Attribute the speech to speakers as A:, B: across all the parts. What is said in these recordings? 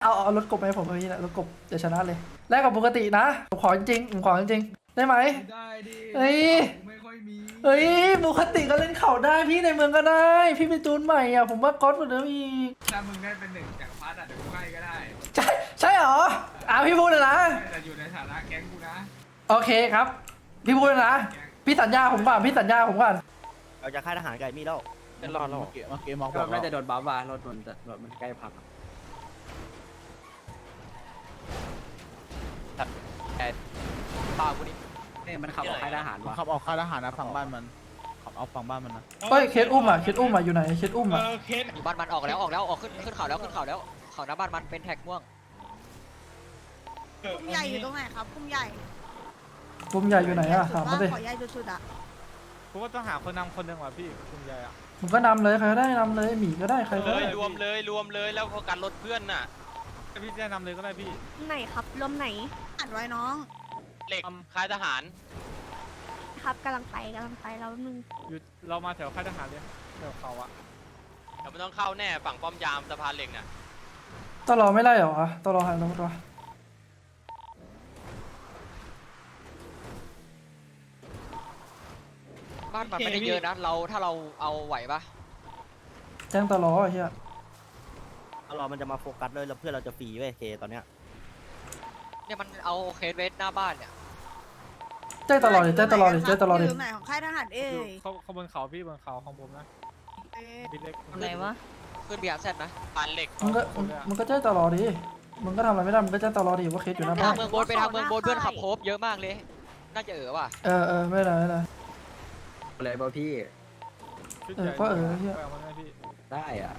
A: เอารถกบไปให้ผมนี่แหละรถกบจะชนะเลยแลกกับปกตินะผมขอจริงผมขอจริงได้ไหม
B: ได้ดิ
A: เฮ้ย
B: ไม่ค่อยมี
A: เฮ้ยปกติก็เล่นเข่าได้พี่ในเมืองก็ได้ พี่ไปจูนใหม่อ่ะผมว่าก๊อตเหมือนเดิมอีก
B: ถ้ามึงได้เป็นหนึ่งจากพัดอ่ะเดี๋ยวกูให้ก็ได้
A: ใช่เหรอพี่พูดเลยนะ
B: แต่อยู่ในฐานะแก๊งกูนะ
A: โอเคครับ พี่พูดเลยนะพี่สัญญาผมก่อนพี่สัญญาผมก่อน
C: เราจะค่ายทหารไก่มีแล้ว
D: จะรอดแล้ว
E: เมื่อกี้มองบ
D: ก็
E: อก
D: น่าจะโดนบ้าว่ารถมันใกล้พัง
F: เปล่ากูนี่
D: เนี่ยมันขับออกค่ายทหารวะ
E: ขับออกค่ายทหารนะฝั่งบ้านมันขับเอาฝั่งบ้านมันนะ
A: เฮ้ยเคสอุ้มอยู่ไหนเคสอุ้มอ่ะ
F: อยู่บ้านมันออกแล้วขึ้นเขาแล้วเขาหน้าบ้านมันเป็นแท็กม่วง
G: พุ่มใหญ่อยู่ตรงไหนครับพุ่มใหญ่
A: กลุ่มใหญ่อยู่ไหนอ่ะถามมาสิ
G: ขอใหญ่สุดๆอ่ะ
H: ผมว่าต้องหาคนนำคนหนึ่งว่ะพี่คุณยายอ่ะ
A: ผมก็นำเลยใครก็ได้นำเลยหมีก็ได้ใครก็
I: เล
A: ได้
I: ยรวมเลยแล้วเขากันรถเพื่อนน่ะ
H: พี่จะนำเลยก็ได้พี่
J: ไหนครับลมไหน
G: อัดไว้น้อง
I: เหล็กค่ายทหาร
J: ครับกำลังไปแล้วนึง
H: อยู่เรามาแถวค่ายทหารเลยแถวเขาอะ
I: เดี๋ยวมันต้องเข้าแน่ฝั่งป้อมยามสะพานเหล็กน่ะ
A: ต้องรอไม่ไล่เหรอต้องรอหาตำรวจ
F: บ้านมันไม่ได้เยอะนะถ้าเราเอาไหวปะ
A: แจ้งตลอไอ้เหี้ย
C: เรามันจะมาโฟกัสเลยแล้วเพื่อนเราจะฟรีเว้ยเคตอนเนี้ย
F: เนี่ยมันเอาเคสเวสหน้าบ้านเนี่ย
A: แจ้งตลอดดิ
G: อยู่ไหนของค่ายทหารเอ้
H: อยู่
G: ย
H: เขาบนเขาพี่บนเขาของผมนะพี่เล็ก
J: อะไรวะ
F: ขึ้นเบียร์เซตนะ
I: สะพานเหล็ก
A: มันก็แจ้งตลอดดิมึงก็ทำอะไรไม่ได้มึงก็แจ้งตลอดดิว่าเคสอยู่หน้า
F: ไป
A: บ้า
F: ทาน งเมืองบนเพื่อนขับโคบเยอะมากเลย น่าจะว่ะ
A: ไม่เป็นไร
D: เลยป่ะพี่
H: ชุดใหญ่
A: ก็เหี้ย
H: ไปเอามันได้พี่
D: ได้อ่ะ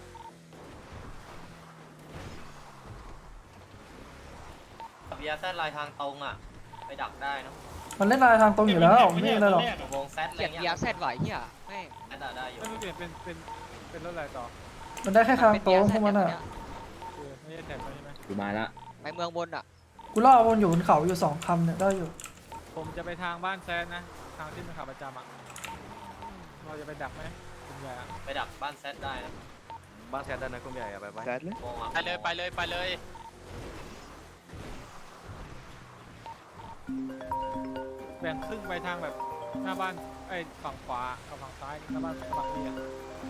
C: เบียร์แซดลายทางตรงอ่ะไปดักได้นะ
A: มันเล่นลายทางตรงอยู่แล้วไม่มีอะไรหรอก
C: วงแซดอะไร
F: เขียน
C: เงี้
F: เบีย
C: ย
F: ร์เซตไหวเฮียแม่ง
C: แซดได้อยู่
H: ไม่รู้เปลี่ยนเป็นรถอะไรต่อ
A: มันได้แค่ทางตรงพวกมันอ่ะ
H: คือไม่ใช่แท็กใช่ไหม
D: อยู่มาละ
F: ไปเมืองบนอ่ะ
A: กูล่อมันอยู่บนเขาอยู่2 คำเนี่ยได้อยู่
H: ผมจะไปทางบ้านแซนนะทางที่มันขับประจำอะเราจะไปดักไหมคุณยายอะ
C: ไปดักบ้านแซดได้นะ
D: บ้านแซดได้นะคุณใหญ่ไป
E: แซดเลย
C: มองอ่ะ
I: ไปเลย
H: แบ่งครึ่งไปทางแบบหน้าบ้านฝั่งขวากับฝั่งซ้ายหน้าบ้านฝั่งนี้อะ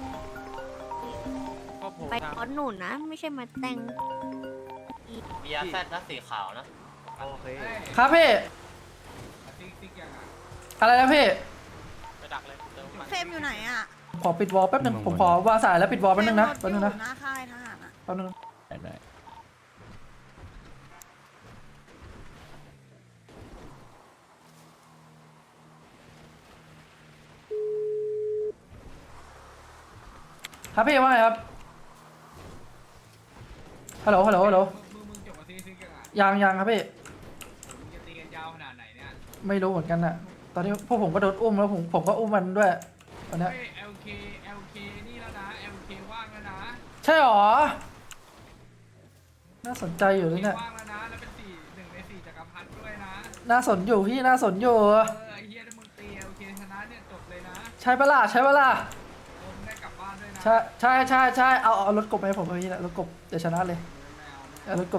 H: ก็โผล่
J: ไป
H: ทาง
J: ก้อนหนุนนะ ไม่ใช่มาแต่ง
C: เบียร์แซดนะสีขาวนะ
D: โอเค
A: ครับพี่
B: ติ๊กยังอ่ะ
A: อะไรนะพี่
I: ไปดักเลยเติมมัน
G: เฟรมอยู่ไหนอ่ะ
A: ขอปิดวอลแป๊บนึงผมขอวางสายแล้วปิดวอลแป๊บนึงนะ
G: เฟ
A: แป๊
G: ร
A: บ
G: ม
A: นึง
G: ร
A: นะ
G: ถอยู่หน้าค่ายทหารอ่ะ
A: แป๊บนึง
E: ได้
A: ครับพี่ว่าไงครับฮัลโหล
B: มึงจบกับติ๊กยังอ่ะ
A: ยังครับพี่
B: มึงจะตีกันยาวขนาดไหนเนี่ย
A: ไม่รู้เหมือนกันน่ะตอนนี้พวกผมก็โดนอุ้มแล้วผมก็อุ้มมันด้วยตอนเนี้ย
B: เฮ้ย LK นี่แล้วนะ LK ว่างแล้วนะ
A: ใช่หรอน่าสนใจอยู่เลยเนี่ย
B: ว่างแล้วนะแล้วเป็น1 ใน 4จักรพรรดิด้วยนะ
A: น่าสนอยู่พี่น่าสนอยู่
B: ไอ้เฮียถ้ามึงตี LK ชนะเนี่ยจบเลยนะ
A: ใช่ปะล่ะ
B: มึงได้กลับบ้านด้วยนะ
A: ใช่เอารถกบไปให้ผมนี่แหละรถกบจะชนะเลย
B: ไม่เอา
A: เอารถกบ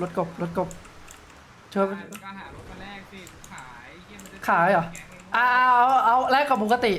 A: เชิญ
B: ก็หารถมาแลกสิขายเฮียมันจะ
A: ขายเหรอเอาแลกกับปกติ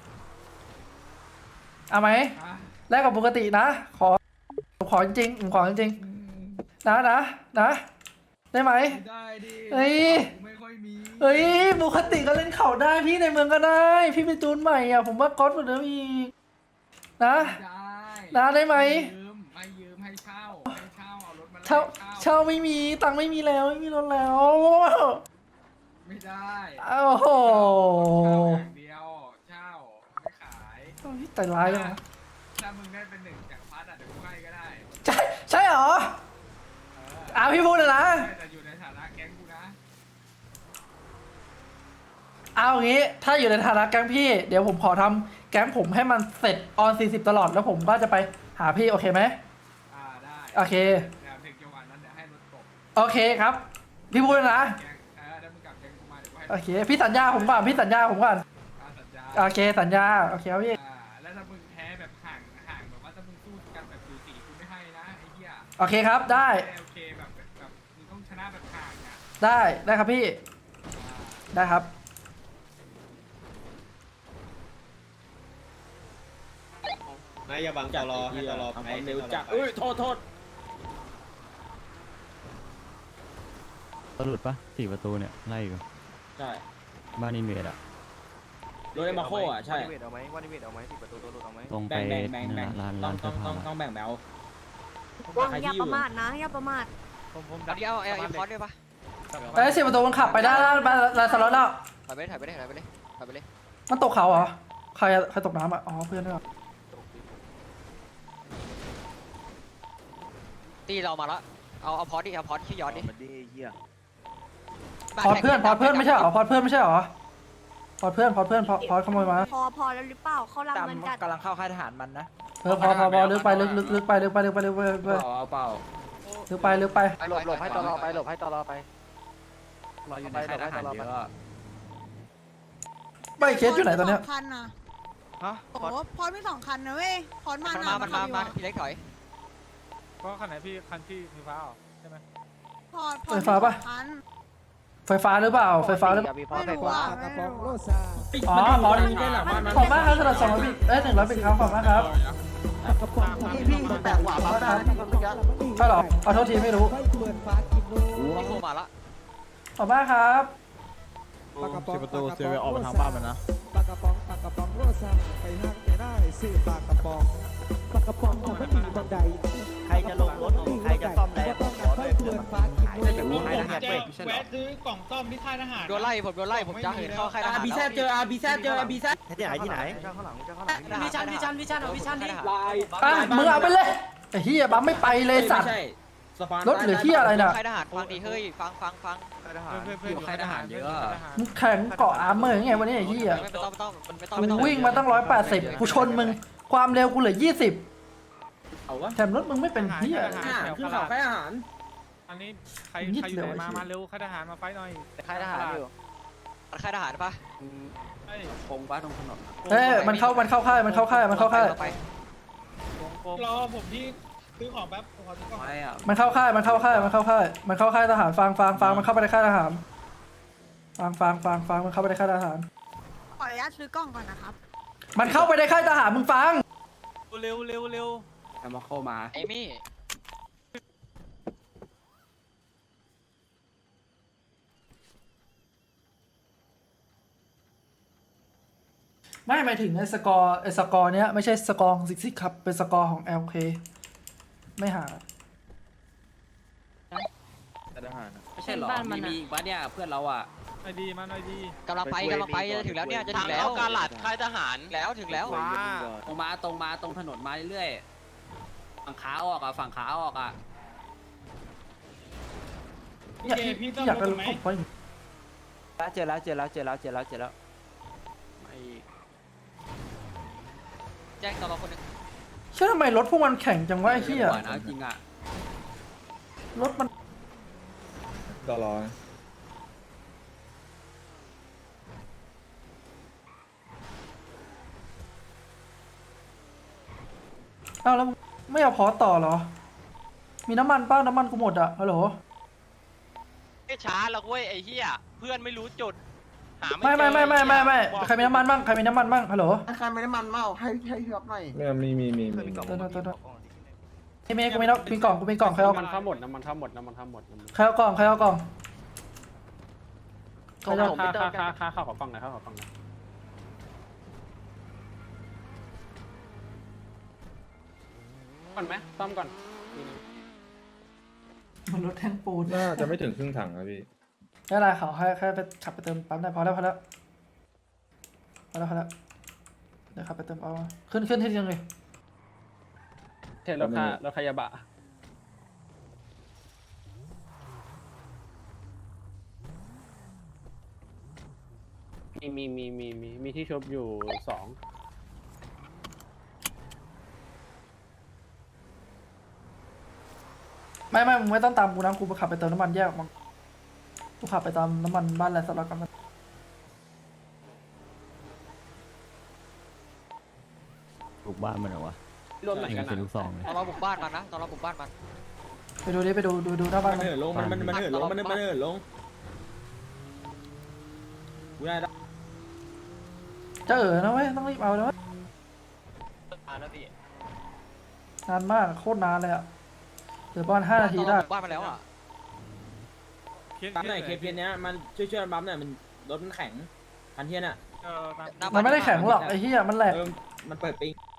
A: เอาไหมแลกกับปกตินะขอจริงผมขอจริงนะได้ไหม
B: ได้ดิ
A: เฮ้ย
B: ไม่ค่อยมี
A: เฮ้ยปกติก็เล่นเข่าได้พี่ในเมืองก็ได้ พี่ไปจูนใหม่อ่ะผมว่าก๊อตเหมือนเดิมอีกนะได้ไหม
B: ไม่ยืมให้เช่าเอารถมาแลก
A: เช่าไม่มีตังค์ไม่มีแล้วไม่มีรถแล้ว
B: ไม่ได้
A: โอ้โห
B: เช่าอย่างเดียวเช่าไม่ขาย
A: แต่ร้ายจังนะ
B: ถ้ามึงได้เป็น1จากพัดอ่ะเดี๋ยวกูให้ก็ได้
A: ใช่เหรอพี่พูดเลยนะ
B: แต่อยู่ในฐานะแก๊งกูนะ
A: เอางี้ถ้าอยู่ในฐานะแก๊งพี่เดี๋ยวผมขอทำแก๊งผมให้มันเสร็จออน40ตลอดแล้วผมก็จะไปหาพี่โอเคไหม
B: ได้
A: โอเค
B: เดี๋ยวถึงจังหวะนั้นเดี๋ยวให้รถตก
A: โอเคครับพี่พูดเลยนะ
B: แก๊งถ้ามึงกลับแก๊งกูมาเดี๋ยวกูให้
A: โอเคพี่สัญญาผมก่อน
B: สัญญา
A: โอเคสัญญาโอเคครับพี่
B: แล้วถ้ามึงแพ้แบบห่างแบบว่าถ้ามึงสู้กันแบบสูสีกูไม่ให้นะไอ้เหี้ย
A: โอเคครับได้
B: โอเคแบบมึงต้องชนะแบบห่างอ่ะ
A: ได้ครับพี่ได้ครับ
C: นายอย่าบังตลอให้ตลอไปเร็วจัก
D: โทษ
E: สรุปปะ4 ประตูเนี่ยไล่กัน
D: ใช่
E: บ้านอินเวดอะ
D: โดยมาโคอ่ะใช่วันนิเวศเอาไหมวันนิเวศเอาไหมที่ประตูตัวหลุดเอาไหม
E: ตรงไปนั่นน่ะร้านเสื้อผ้า
D: ต้องแบ่งแบว
J: อย่าประมาทนะอย่าประมาท
H: ผม
F: เอาดิเอาพอดด้วยปะ
A: ไอ้10 ประตูมันขับไปได้แล้วลานสล็อตแล้ว
F: ถอยไปเลยถอยไปเลยถอยไปเลย
A: มันตกเขาเหรอใครตกน้ำอ่ะอ๋อเพื่อนด้วยเหรอ
F: ตีเรามาแล้วเอาพอดดิเอาพอดชื่อยอดดิ
D: มันดีเหี้ย
A: พอดเพื่อนไม่ใช่เหรอพอดเพื่อนไม่ใช่เหรอพอดเพื่อนพอดขโมยมา
J: พอแล้วหรือเปล่าเขารับเงินจัด
D: กำลังเข้าค่ายทหารมันนะ
A: พอลึกไปลึกไปลึกไป
D: เอาเปล่า
A: ลึกไป
D: หลบให้ตลอไปรออยู่ในค่ายทหารเยอะ
A: ไม่เคสอยู่ไหนตอนเนี้ย
G: พรมี2 คันนะ
D: ฮะ
G: โอ้พอดมี2 คันนะเว้ยพอดมา
F: มันมาพี่เล็กถอย
H: ก็คันไหนพี่คันที่ไฟฟ้าใช่ไหม
G: พอดมี2 คัน
A: ไฟฟ้าหรือเปล่าไฟฟ้าหรือเปล่า
G: ไม่รู้อ่ะไม่รู้
A: อ๋อพอดขอบมากครับสำหรับ200 บิต100 บิตครับขอบมากครับ
D: พี่แตกหว่ามาได้
A: ใช่หรอขอโทษทีไม่รู้
F: พี่โคมาละ
A: ขอบมากครับ
E: 10 ประตูเซเวออกมาทางบ้านมันนะ
K: ปากกระป๋องโรซาไปห้างไปได้ซื้อปากกระป๋องของมันมีบันได
C: ใครจะลงรถใครจะซ่อมแรง
K: ต้องการค่อยเพื่อนฟ้ากินด้วย
B: แวะซื้อกล่องซ่อมที่ค่ายทหาร
F: โดนไล่ผมจะเหินเข้าค่ายทหาร
D: ที่ไหนเจ้าข้างหลัง
F: วิชันดิ
A: มึงเอาไปเลยไอ้เฮียบัมไม่ไปเลยสัตว์รถเหลือที่อะไรน่ะ
F: ค่ายทหารฟังดิเฮ้ยฟัง
H: อยู่ค่ายทหารเยอะ
A: มึงแข่งเกาะอาร์เมอร์ยังไงวันนี้ไอ้เฮีย
F: ไม่ต้อง
A: กูวิ่งมาตั้ง180กูชนมึงความเร็วกูเหลือ20แถมรถมึงไม่เป็นเฮีย
H: คือข่าวค่ายทหารอันนี้ใครอยู่ไหนมาเร็วค่ายทหารมาไฟหน่อย
D: ค่ายทหารอยู่
F: ค่ายทหารปะ
D: คงป้าตรงถนน
A: มันเข้าค่าย
F: ไป
B: รอผมที่ซื้อของแป๊บผมขอซื้อของ
D: ไม่อ่ะ
A: มันเข้าค่ายทหารฟังมันเข้าไปในค่ายทหารฟังมันเข้าไปในค่ายทหาร
G: ขออนุญาตซื้อกล้องก่อนนะครับ
A: มันเข้าไปในค่ายทหารมึงฟัง
H: เร็ว
D: แอมมาเข้ามา
F: ไอ้มี่
A: ไม่หมายถึงไอ้สกอร์เนี้ยไม่ใช่สกอร์ของซิกครับเป็นสกอร์ของ LK ไม่หา
D: ทหารไม่ใช่หรอมีอีกบ้านเนี่ยเพื่อนเราอ่ะ
H: หน่อยดีมาหน่อยดี
F: กำลังไปจะถึงแล้วเนี่ยจะถึ
I: ทาง
F: งแล้ว
I: เข้ากาลัดค่ายทหาร
F: ถึงแล้ว
D: ตรงมาตรงถนนมาเรื่อยๆฝั่งขาออกอ่ะ
A: อยากได้รถผมไป
D: เจอแล้ว
F: แจ้งตลอดคนนึง
A: เชื่อทำไมรถพวกมันแข่งจังวะไอ้เหี้ย
D: นะจริงอ่ะ
A: รถมัน
C: ตลอด
A: อ้าวแล้วไม่เอาพอต่อเหรอมีน้ำมันป้าน้ำมันกูหมดอ่ะฮัลโหล
I: ไม่ช้าหรอกเว้ยไอ้เหี้ยเพื่อนไม่รู้จุดหา
A: ไม่
I: เจอ
A: ใครมีน้ำมันบ้างฮัลโหล
K: ใครไม่ได้มันเมาให้เฮือบหน่อย
C: มี
A: ที่เมย์กูมีกล่องใครเอา
H: มันเข้าหมดน้ำมันเข้าหมด
A: ใครเอากล่องค่าของฟังหน่อย
H: ก่อนไหมซ่อมก่อน
A: มันรถแท่งปูน
C: น่าจะไม่ถึงครึ่งถังนะพี่
A: ไม่เป็นไรเขาแค่ไปขับไปเติมปั๊มได้พอแล้วเดี๋ยวขับไปเติมเอาขึ้นที่ยังไง
H: เทรถขยะบะมีที่ชบอยู่2
A: ไม่มึงไม่ต้องตามกูนะกูไปขับไปเติมน้ำมันแยกออกมากูขับไปตามน้ำมันบ้านแหละสลับกัน
E: บุกบ้านมันเหรอวะ
H: รวมไหนกัน
E: เป็นลูกซองเลย
F: ตอนเราบุกบ้านมันนะตอนเราบุกบ้านมัน
A: ไปดูดิไปดูหน้าบ้าน
K: มัน
A: มัน
K: เหินลงมันเหินลงมันเหินลงกูได้
A: จะนะเว้ยต้องรีบเอานะเว้ย
C: มาแล้วพี่
A: นานมากโคตรนานเลยอะเหลือประมาณ5 นาทีได้
F: บ้านมาแล้วอ่ะ
K: ปั๊มไหนเคสเนี้ยมันช่วยปั๊มหน่อยมันรถมันแข็งคันเทียนอ่ะ
H: เออ
A: มันไม่ได้แข็งหรอกไอ้เหี้ยมันแหลก
K: มันเปิดปิง